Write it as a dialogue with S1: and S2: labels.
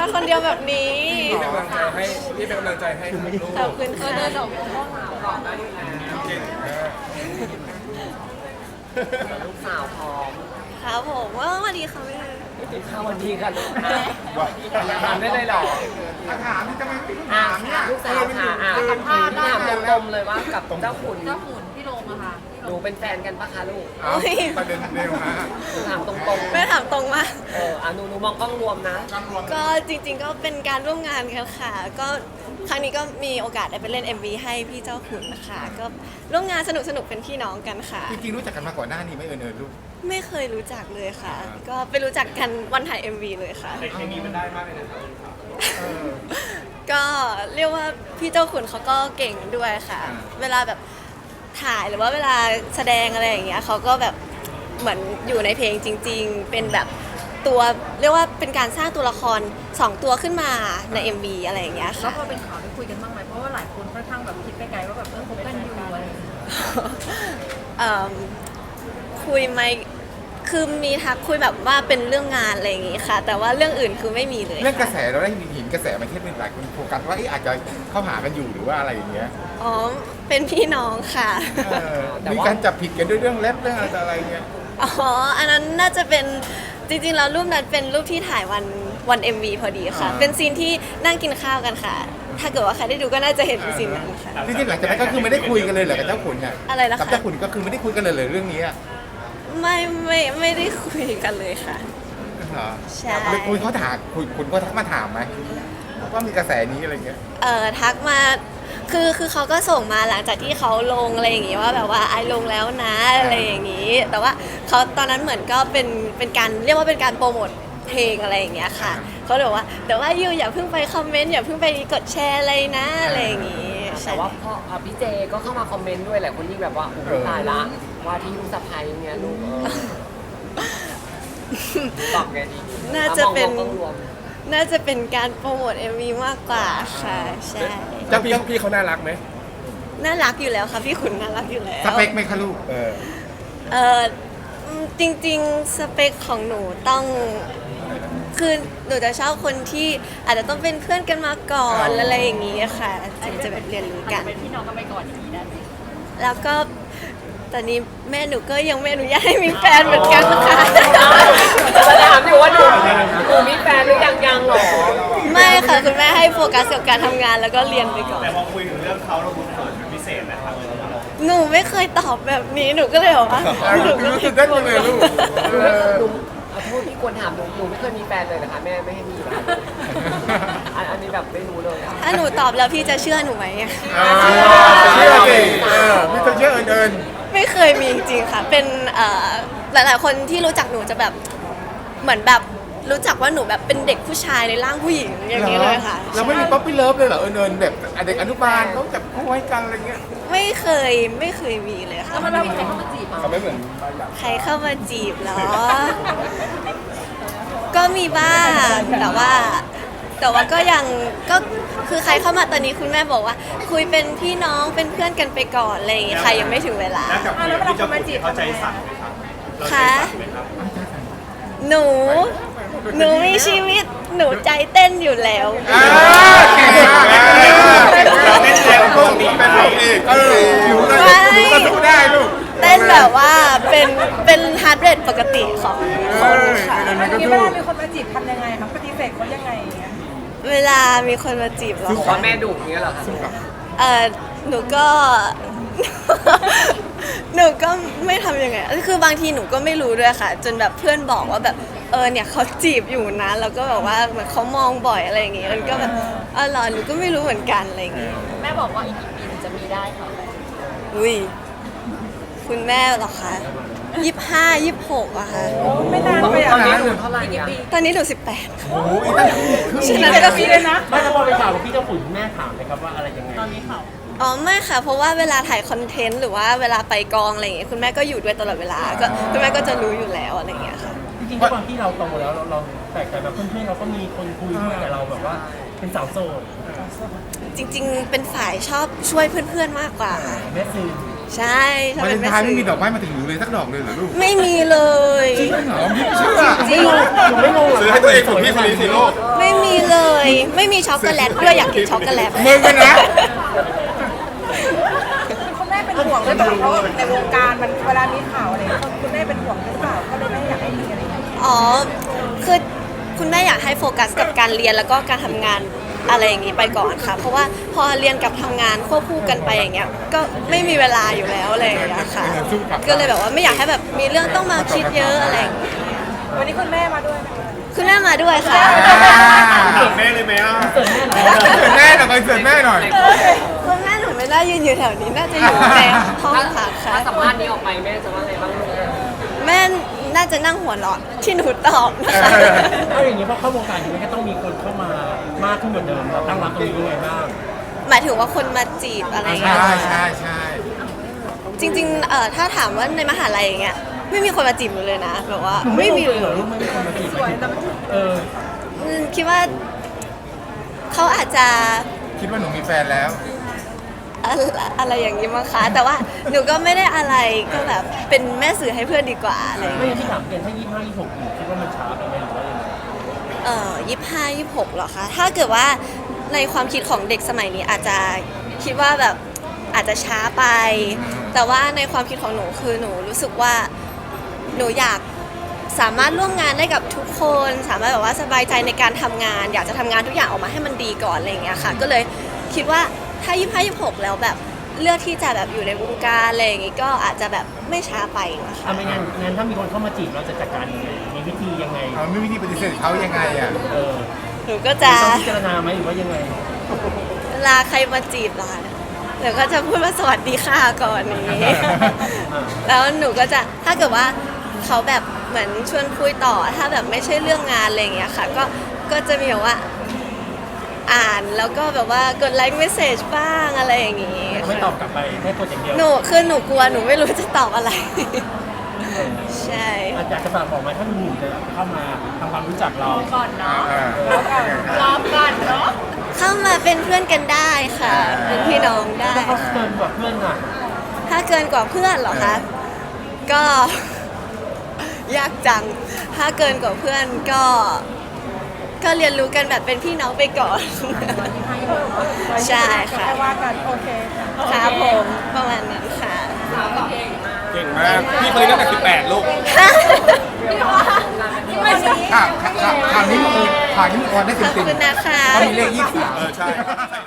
S1: มาคนเดียวแบบนี้
S2: พี่เป็นกำลังใจให้พี่เป็นกำลังใจให้ทั้งลูก
S1: ขอบคุณค่ะ
S3: เดินออกมาห้องหาก่อนได้อยู่แล้ว
S2: เก่งมาก
S3: ลูกสาวพร้อม
S1: ครับผมว่าสวัสดีค่ะแม่
S3: ข้าววันดีกันลูกถามได้เลยเหรอ
S2: ถามที่จะไม่ถา
S3: อ่ะ
S2: มเนี่ย
S3: ลูกสาวค่ะสัมภาษณ์ถามตรงๆเลยว่ากับเจ้าขุน
S4: เจ้าขุนพี่โรมอะค่ะ
S3: หนูเป็นแฟนกันปะคะลูก
S2: เอาประเด็นเร็วฮะ
S3: หนูถามตรง
S1: แม่ถามตรงมาก
S3: ๆหนูมองกล้องรวมนะ
S1: ก็จริงๆก็เป็นการร่วมงานกันค่ะ ก็ครั้งนี้ก็มีโอกาสได้ไปเล่น MV ให้พี่เจ้าขุนนะคะก็ร่วมงานสนุกๆเป็นพี่น้องกันค่ะ
S2: จริงๆรู้จักกันมาก่อนหน้านี้ไหมเอิญลูก
S1: ไม่เคยรู้จักเลยค่ะ ก็ไปรู้จักกันวันถ่าย MV เลยค่ะ
S2: เคมีมันได้มากเลยนะครับ
S1: ก็เรียกว่าพี่เจ้าขุนเขาก็เก่งด้วยค่ะ เวลาแบบถ่ายหรือว่าเวลาแสดงอะไรอย่างเงี้ยเขาก็แบบเหมือนอยู่ในเพลงจริง ๆ เป็นแบบตัวเรียกว่าเป็นการสร้างตัวละคร2ตัวขึ้นมาใน MV อะไรอย่างเงี้ย
S4: แล้ว
S1: ค่ะ
S4: พอเป็นข่าวได้คุยกันบ้างไหมเพราะว่าหลายคนค่อนข้างแบบคิดไปไกลว่าแบบคบกันอยู่อะไรอย่างเงี้ย
S1: เอิ่มคุยไหมคือมีทักคุยแบบว่าเป็นเรื่องงานอะไรอย่างงี้ค่ะ แต่ว่าเรื่องอื่นคือไม่มีเลย
S2: เรื่องกระ
S1: ค่ะ
S2: แสเราได้เห็นกระแสมันเทียบเป็นหลายคนโฟกัสว่าอาจจะเข้าหากันอยู่หรือว่าอะไรอย่างเงี้ย
S1: อ๋อเป็นพี่น้องค่ะ
S2: มีการจับผิดกันด้วยเรื่องเล็บเรื่องอะไรเงี้ย
S1: อ๋อ อันนั้นน่าจะเป็นจริงๆแล้วรูปนั้นเป็นรูปที่ถ่ายวัน MV พอดีค่ะ เป็นซีนที่นั่งกินข้าวกันค่ะ ถ้าเกิดว่าใครได้ดูก็น่าจะเห็นซีนนั้นค่ะ
S2: จริงๆหลังจากนั้นก็คือไม่ได้คุยกันเลยเหรอกับเจ้าขุนเนี่ย
S1: อะไรนะคะ
S2: กับเจ้าขุนก็คือไม่ได้คุยกันเลยเรื่องนี้อะ
S1: ไม่ได้คุยกันเลยค่ะ
S2: เหรอ
S1: ใช่
S2: คุณเขาถามคุณก็ทักมาถามไหมว่ามีกระแสนี้อะไรเงี้ย
S1: ทักมาคือเขาก็ส่งมาหลังจากที่เขาลงอะไรอย่างงี้ว่าแบบว่าไอลงแล้วนะอะไรอย่างงี้ แต่ว่าเขาตอนนั้นเหมือนก็เป็นการเรียกว่าเป็นการโปรโมทเพลงอะไรอย่างเงี้ยค่ะเขาเลยบอกว่าแต่ว่ายูอย่าเพิ่งไปคอมเมนต์อย่าเพิ่งไปกดแชร์อะไรนะอะไรอย่างงี้ใช่
S3: แต่ว่าพ่อพี่เจก็เข้ามาคอมเมนต์ด้วยแหละคนยิ่งแบบว่าโอ้โหตายละว่าที่ลูกสะใภ้เงี้ยลูกตอบไงดี
S1: น่าจะเป็น
S3: มองกล้องรวม
S1: น่าจะเป็นการโปรโมท MV มากกว่าค่ะใช่
S2: เจ้าพี่เขาน่ารักไหม
S1: น่ารักอยู่แล้วค่ะพี่ขุนน่ารักอยู่แล้ว
S2: สเปคไหมคะลูก
S1: จริงๆสเปคของหนูต้องคือหนูจะชอบคนที่อาจจะต้องเป็นเพื่อนกันมาก่อนอะไรอย่างงี้ค่ะถึงจะแบบเรียนรู้กัน
S4: เป็นพี่น้องกันไปก่อนอย่างนี้ได้ไหม
S1: แล้วก็ตอนนี้แม่หนูก็ยังไม่อนุญาตให้มีแฟนเหมือนกันค่ะ
S3: จะถามอยู่ว่าหนูมีแฟนหรือยังหรอ
S1: ไม่ค่ะคุณแม่ให้โฟกัสกับการทำงานแล้วก็เรียนไปก่อน
S5: แต่พอคุยถึงเรื่องเขาเรารู้เขินเป็นพิเศษนะครับ
S1: หนูไม่เคยตอบแบบนี้หนูก็เลยบอกว่าหนูก็
S2: รู้สึกได้จังเลยลูก
S3: หนูขอโทษที่ควรถามหนูไม่เคยมีแฟนเลยนะคะแม่ไม่ให้มีเหรออันนี้แบบไม่รู้เลยอะ
S1: ถ้าหนูตอบแล้วพี่จะเชื่อหนูไหมอะ
S2: เชื่อสิพี่ต้องเชื่อเอิญ
S1: ไม่เคยมีจริงๆค่ะ เป็นหลายๆคนที่รู้จักหนูจะแบบเหมือนแบบรู้จักว่าหนูแบบเป็นเด็กผู้ชายในร่างผู้หญิงอย่างนี้เลยค่ะ
S2: เราไม่มีป๊อปปี้เลิฟเลยเหรอเอิญแบบเด็กอนุบาลเขาจับคู่ให้กันอะไรเงี้ย
S1: ไม่เคยมีเลยค่ะ
S4: แล้วมันมีใครเข้ามาจีบอ่ะ
S2: เขาไม่เหมือน
S1: ใครเข้ามาจีบเหรอ ก็มีบ้างแต่ว่าก็ยังก็คือใครเข้ามาตอนนี้คุณแม่บอกว่า คุยเป็นพี่น้องเป็นเพื่อนกันไปก่อนอะไรอย่างเงี้ยค่ะยังไม่ถึงเวลา
S5: แล้วกับคุยกับพี่เจ้าขุนเขาใจสั่นไหมครับเราใจ
S1: ค่ะ
S5: สั่นไหมครับ
S1: หนูมีชีวิตหนูใจเต้นอยู่แล้ว
S2: เก่งมากเราไม่เชียร์ลูกเป็นลูกเอกอยู่ได้ก็สู้ได้ลูก
S1: เต้นแบบว่าเป็นฮาร์ดเรทปกติของคนค่ะ
S4: อันนี้เวลามีคนมาจีบทำยังไงครับปฏิเสธเขายังไงอย่างเงี้ย
S1: เวลามีคนมาจีบเรา
S3: เพราะแม่ดุอย่างเงี้ยเหรอคะ
S1: หนูก็ หนูก็ไม่ทำยังไงคือบางทีหนูก็ไม่รู้ด้วยค่ะ จนแบบเพื่อนบอกว่าแบบเนี่ยเขาจีบอยู่นะแล้วก็แบบว่าเหมือนเขามองบ่อยอะไรอย่างเงี้ยมันก็แบบเหรอหนูก็ไม่รู้เหมือนกันอะไรอย่างเงี้ย
S4: แม่บอกว่าอีกกี่ปีถึงจะมีได้ค่ะ
S1: อุ้ยคุณแม่เหรอคะ25 26อะค่ะ
S4: ไม่นานไป
S3: ต
S4: อ่ะ
S3: อนนี้หนูเท่าไหร่เนี่ย
S1: ตอนนี้หนู18
S2: โอ้ยตั้งครึ่ง
S1: ฉะนั้นก็คือ
S4: เลยนะ
S6: ไม่ถ้าพอไปถามพี่เจ้าขุนแม่ถามไหมครับว่าอะไรยังไง
S4: ตอนนี้ข่าว
S1: อ๋อไม่ค่ะ เพราะว่าเวลาถ่ายคอนเทนต์หรือว่าเวลาไปกองอะไรอย่างเงี้ยคุณแม่ก็อยู่ด้วยตลอดเวลาก็คุณแม่ก็จะรู้อยู่แล้วอะไรอย่างเงี้ยค่ะ
S6: จริงๆด้วยความที่เราโตแล้วเราแตกต่างกับเพื่อนๆเราก็มีคนคุยด้วยแต่เราแบบว่าเป็นสาวโสด
S1: จริงๆ เป็นฝ่ายชอบช่วยเพื่อนๆมากกว่าค่ะ
S6: แม่ซื้อ
S1: ใช่ชอบ
S2: วาเล
S1: เป็น
S2: น
S1: แม่
S2: ไทน์ไม่
S1: สื่
S2: มี
S1: อ
S2: ดอกไม้มาถึงหนูเลยสักดอกเลยเหรอลูก
S1: ไม่มีเลย
S2: จริงเหรอไม่เชื่อ
S1: จริง
S6: หนูไม่งง
S2: ซื้อให้ตัวเองผมพี่คนนี้สิลูก
S1: ไม่ไม่มีเลย ไม่มีช็อกโกแลตด้วยอยากกินช็อกโกแลต
S2: มึงกันนะ
S4: คุณแม่เป็นห่วงด้วยเพราะว่าในวงการมันเวลามีข่าวอะไรคุณแม่เป็นห่วงหรือเปล่าก็เลยไม่อยากให้มีอะไรอย่างเงี้ย
S1: อ๋อ คือคุณแม่อยากให้โฟกัสกับการเรียนแล้วก็การทำงานอะไรอย่างนี้ไปก่อนค่ะ เพราะว่าพอเรียนกับทำงานควบคู่กันไปอย่างเงี้ย ก็ไม่มีเวลาอยู่แล้วอะไรอย่างเงี้ยค่ะ ก็เลยแบบว่าไม่อยากให้แบบมีเรื่องต้องมาคิดเยอะอะไรอย่างเงี้ย
S4: วันนี้คุณแม่มาด้วยไหมคะ
S1: คุณแม่มาด้วยค่ะ
S5: ถามแม่เลยไหมอ่ะ
S6: เกิดแน่นอน
S2: เสิร์ฟแม่หน่อยเสิร์ฟแม่หน่อย
S1: คุณแม่หนูไม่ได้ยืนอยู่แถวนี้น่าจะอยู่ในห้องพักค่ะ
S3: ถ้าสัมภาษณ์นี้ออกไปแม่จะว่าไงบ้างลูก
S1: แม่น่าจะนั่งหัวเราะที่หนูตอบนะคะ
S6: เอาอย่างนี้เพราะเข้าวงการนี้มันก็ต้องมีคนเข้ามามากขึ้นกว่าเดิมเราตั้งรับตรงนี้ยังไงบ้าง
S1: หมายถึงว่าคนมาจีบอะไรอย่าง
S2: ใช่
S1: เงี้ย
S2: ใช่ใช่
S1: จริงๆถ้าถามว่าในมหาลัยอย่างเงี้ยไม่มีคนมาจีบหนูเลยนะแบบว่า
S6: หนูไม่
S1: ไม่
S6: มี
S1: มี
S6: เลยเหรอลูกไม่มีคนมาจีบเออ
S1: คิดว่าเขาอาจจะ
S2: คิดว่าหนูมีแฟนแล้ว
S1: อะไรอย่างนี้มั้งคะแต่ว่าหนูก็ไม่ได้อะไรก็แบบเป็นแม่สื่อให้เพื่อนดีกว่าอะไรอย่าง
S6: ไม่
S1: เงี้ย
S6: ใช่ที่ถามเกินถ้า25 26อยู่คิดว่ามันช้าไปไหมหรือว่ายังไง
S1: 25 26เหรอคะถ้าเกิดว่าในความคิดของเด็กสมัยนี้อาจจะคิดว่าแบบอาจจะช้าไป แต่ว่าในความคิดของหนูคือหนูรู้สึกว่าหนูอยากสามารถร่วมงานได้กับทุกคน สามารถแบบว่าสบายใจในการทำงาน อยากจะทำงานทุกอย่างออกมาให้มันดีก่อนอะไรอย่างเงี้ยค่ะก็เลยคิดว่าถ้า25 26แล้วแบบเลือกที่จะแบบอยู่ในวงการอะไรอย่างงี้ก็อาจจะแบบไม่ช้าไปนะคะ
S6: ไม่งั้นถ้ามีคนเข้ามาจีบเราจะจัดการยังไงมีวิธียังไง
S2: เอาไม่มีที่ปฏิเสธเขายังไงอ่ะ
S6: เออ
S1: หนูก็จะ
S6: ต้องพิจารณาไหมหรือว่ายังไง
S1: เวลาใครมาจีบเราเดี๋ยวก็จะพูดว่าสวัสดีค่ะก่อนนี้ แล้วหนูก็จะถ้าเกิดว่าเขาแบบเหมือนชวนคุยต่อถ้าแบบไม่ใช่เรื่องงานอะไรอย่างเงี้ยค่ะก็จะมีแบบว่าอ่านแล้วก็แบบว่ากดไลค์เมสเซจบ้างอะไรอย่างงี้
S6: ไม่ตอบกลับไปแค่กดอย่างเดียว
S1: หนูคือหนูกลัวหนูไม่รู้จะตอบอะไร ใช่
S6: อาจจะฝากบอกไหมถ้ามีหนุ่มจะเข้ามาทำความรู้จักเรา
S4: ก่อนเนาะ
S2: เออ
S4: รอบก่อนเนาะ
S1: เข้ามาเป็นเพื่อนกันได้ค่ะ เป็นพี่น้องได้
S6: ถ้าเขาเกินกว่าเพื่อนอ่ะ
S1: ถ้าเกินกว่าเพื่อนเหรอคะ ก็ ยากจัง ถ้าเกินกว่าเพื่อนก็เรียนรู้กันแบบเป็นพี่น้องไปก่อน ใช่ค่ะ
S4: ค่อยว่ากันโอเคค่ะ
S1: ครับผมประมาณนั้นค่ะ
S2: เก่งมาก พี่คนนี้ตั้งแต่18 ลูก
S4: ไม่ใช่
S2: ข่าวนี้มึงออนได้
S1: ขอบ
S2: เต็ม
S1: คุณนะคะ
S2: ๆเขามีเลข23
S5: ใช่